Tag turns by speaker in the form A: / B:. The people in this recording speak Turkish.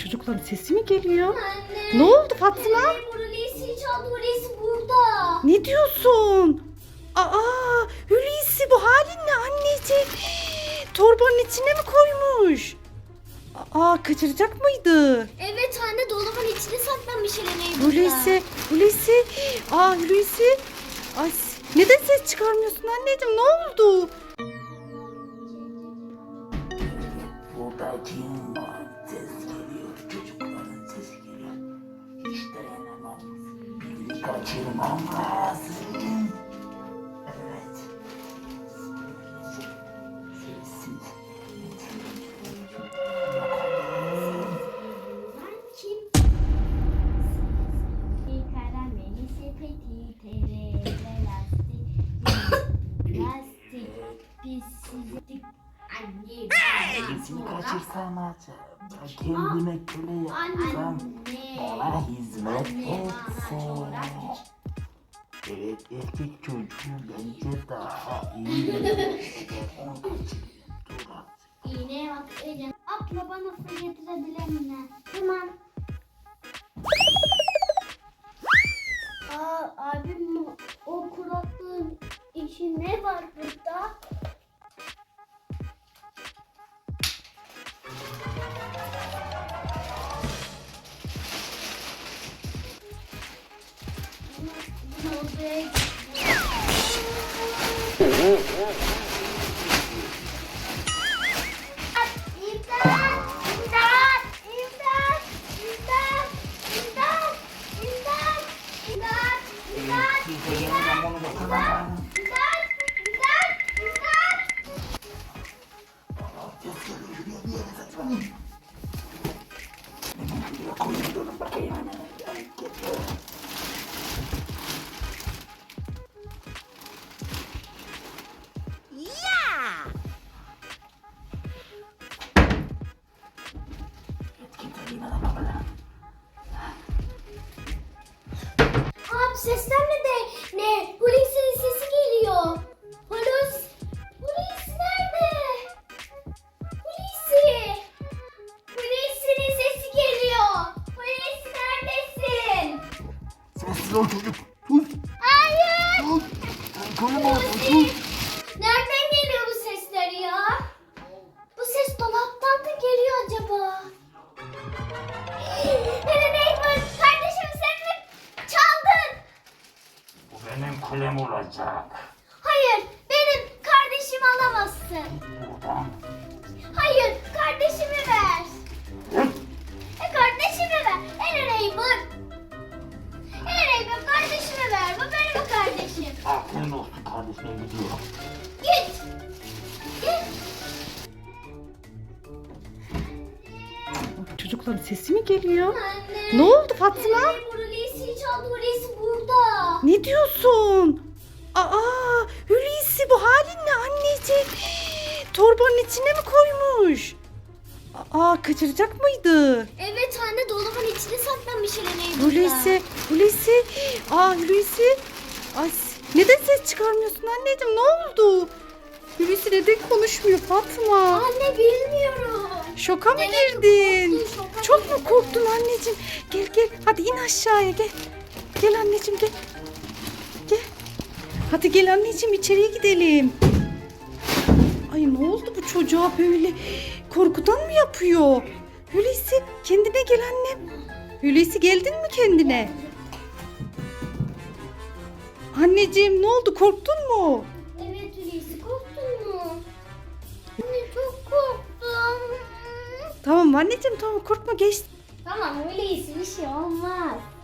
A: Çocukların sesi mi geliyor?
B: Anne.
A: Ne oldu Fatma?
B: Hulusi çaldı. Hulusi burada.
A: Ne diyorsun? Aa, Hulusi bu halin ne anneciğim? Torbanın içine mi koymuş? Aa, kaçıracak mıydı?
B: Evet anne, dolabın içine saklanmış Eren'e.
A: Hulusi. Aa, Hulusi. Ay, neden ses çıkarmıyorsun anneciğim? Ne oldu?
C: Burada kim var? Ses geliyor. Çocukların sesi geliyor. Hiç dayanamam. Birini kaçırmam lazım. Evet. Sessiz.
B: Kim? Karameli sepeti, tere, lastik, pislik, anne.
C: Birisini kaçırsam acaba? Kendime köle yapsam, bana hizmet etse. Evet, erkek çocuğu bence daha iyi. Onu kaçırayım. Dur artık.
B: İğneye bak Ecem. Abla bana su getirebilir mi? Tamam. Abim o kuraklığın işi ne var burada? Bunu odaya
C: Kimse gelmeden bunu bakamam. Ses geliyor. Şuraya bir yere saklanayım. Hemen şuraya koyayım. Durun bakayım hemen. Geliyor. Kimse gelmeden bakalım.
B: Abi sesler ne? Hulusi'nin sesi geliyor. Hulusi nerede? Hulusi'nin sesi geliyor. Hulusi neredesin?
C: Sessiz ol çocuk. Sus.
B: Hayır.
C: Sus. Konuma sus.
B: Nereden geliyor bu sesler ya? Bu ses dolaptan da geliyor acaba? Neyman, kardeşim sen mi çaldın?
C: Bu benim kulem olacak.
B: Hayır, benim kardeşimi alamazsın.
C: Buradan.
B: Hayır, kardeşimi ver. Kardeşimi ver. Neyman, kardeşimi ver. Bu benim kardeşim.
C: Aferin olsun kardeşime gidiyorum.
B: Git.
A: Çocukların sesi mi geliyor?
B: Anne.
A: Ne oldu Fatma?
B: Hulusi çaldı. Hulusi burada.
A: Ne diyorsun? Aa, Hulusi bu halin ne anneciğim? Torbanın içine mi koymuş? Aa, kaçıracak mıydı?
B: Evet anne, dolabın içine saklanmış Eren'e.
A: Hulusi. Aa, Hulusi. Ay, neden ses çıkarmıyorsun anneciğim? Ne oldu? Hulusi neden konuşmuyor Fatma?
B: Anne bilmiyorum.
A: Şoka mı
B: Evet,
A: girdin?
B: korktum, şoka
A: Çok mu
B: girdim.
A: korktun anneciğim? Gel. Hadi in aşağıya gel. Gel anneciğim gel. Gel. Hadi gel anneciğim içeriye gidelim. Ay, ne oldu bu çocuğa böyle? Korkudan mı yapıyor? Hulusi kendine gel annem. Hulusi geldin mi kendine? Anneciğim ne oldu, korktun mu?
B: Evet Hulusi, korktun mu? Anne çok korktum.
A: Tamam anneciğim, tamam korkma, geçti.
B: Tamam Hulusi, bir şey olmaz.